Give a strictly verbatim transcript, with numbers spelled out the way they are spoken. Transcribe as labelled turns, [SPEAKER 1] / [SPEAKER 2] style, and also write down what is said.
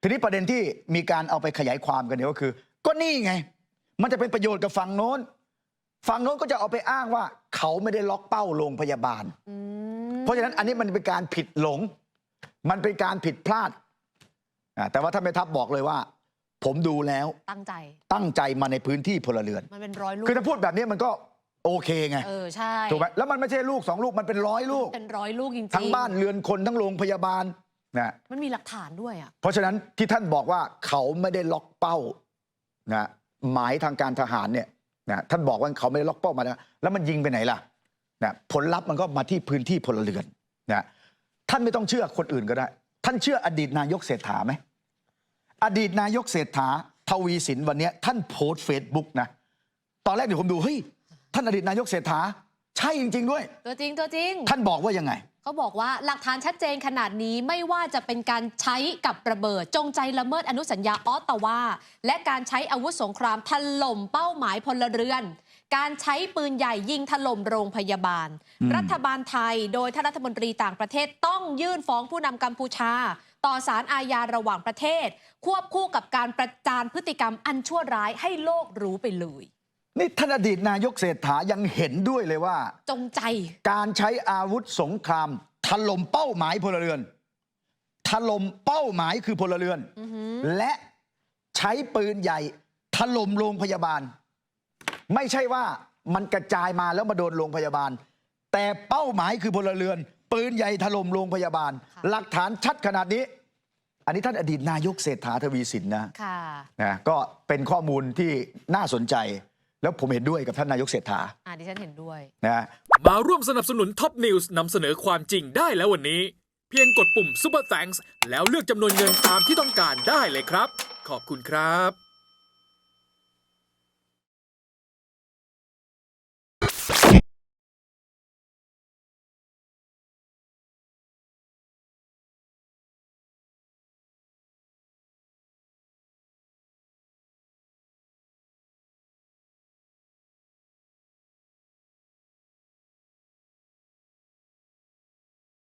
[SPEAKER 1] ทีนี้ประเด็นที่มีการเอาไปขยายความกันเนี่ยก็คือ ก็นี่ไงมันจะเป็นประโยชน์กับฝั่งโน้นฝั่งโน้นก็จะเอาไปอ้างว่าเขาไม่ได้ล็อกเป้าโรงพยาบาลเพราะฉะนั้นอันนี้มันเป็นการผิดหลงมันเป็นการผิดพลาดแต่ว่าท่านแม่ทัพบอกเลยว่าผมดูแล้ว
[SPEAKER 2] ตั้งใจ
[SPEAKER 1] ตั้งใจมาในพื้นที่พลเรือน
[SPEAKER 2] มันเป็นร้อยลูก
[SPEAKER 1] คือถ้าพูดแบบนี้มันก็โอเคไง
[SPEAKER 2] เออใช่
[SPEAKER 1] ถูกไหมแล้วมันไม่ใช่ลูกสองลูกมันเป็นร้อยลูก
[SPEAKER 2] เป็นร้อยลูกจริงๆ
[SPEAKER 1] ทั้งบ้านเรือนคนทั้งโรงพยาบาลนะ
[SPEAKER 2] มันมีหลักฐานด้วยอ่ะ
[SPEAKER 1] เพราะฉะนั้นที่ท่านบอกว่าเขาไม่ได้ล็อกเป้านะหมายทางการทหารเนี่ยนะท่านบอกว่าเขาไม่ได้ล็อกเป้ามาแล้วแล้วมันยิงไปไหนล่ะนะผลลัพธ์มันก็มาที่พื้นที่พลเรือนนะท่านไม่ต้องเชื่อคนอื่นก็ได้ท่านเชื่ออดีตนายกเศรษฐาไหมอดีตนายกเศรษฐาทวีสินวันนี้ท่านโพสต์เฟซบุ๊กนะตอนแรกเดี๋ยวผมดูเฮ้ยท่านอดีตนายกเศรษฐาใช่จริงๆด้วย
[SPEAKER 2] ตัวจริงตัวจริง
[SPEAKER 1] ท่านบอกว่ายังไง
[SPEAKER 2] เขาบอกว่าหลักฐานชัดเจนขนาดนี้ไม่ว่าจะเป็นการใช้กับระเบิดจงใจละเมิดอนุสัญญาออตตาวาและการใช้อาวุธสงครามถล่มเป้าหมายพลเรือนการใช้ปืนใหญ่ยิงถล่มโรงพยาบาลรัฐบาลไทยโดยท่านรัฐมนตรีต่างประเทศต้องยื่นฟ้องผู้นำกัมพูชาต่อศาลอาญาระหว่างประเทศควบคู่กับการประจานพฤติกรรมอันชั่วร้ายให้โลกรู้ไปเลย
[SPEAKER 1] นี่ท่านอดีตนายกเศรษฐายังเห็นด้วยเลยว่า
[SPEAKER 2] จงใจ
[SPEAKER 1] การใช้อาวุธสงครามถล่มเป้าหมายพลเรือนถล่มเป้าหมายคือพลเรือนและใช้ปืนใหญ่ถล่มโรงพยาบาลไม่ใช่ว่ามันกระจายมาแล้วมาโดนโรงพยาบาลแต่เป้าหมายคือพลเรือนปืนใหญ่ถล่มโรงพยาบาลหลักฐานชัดขนาดนี้อันนี้ท่านอดีตนายกเศรษฐาทวีสินนะนะก็เป็นข้อมูลที่น่าสนใจแล้วผมเห็นด้วยกับท่านนายกเศรษฐา
[SPEAKER 2] อ่าดิฉันเห็นด้วย
[SPEAKER 1] นะ
[SPEAKER 3] มาร่วมสนับสนุนท็อปนิวส์นำเสนอความจริงได้แล้ววันนี้เพียงกดปุ่ม Super Thanks แล้วเลือกจำนวนเงินตามที่ต้องการได้เลยครับขอบคุณครับ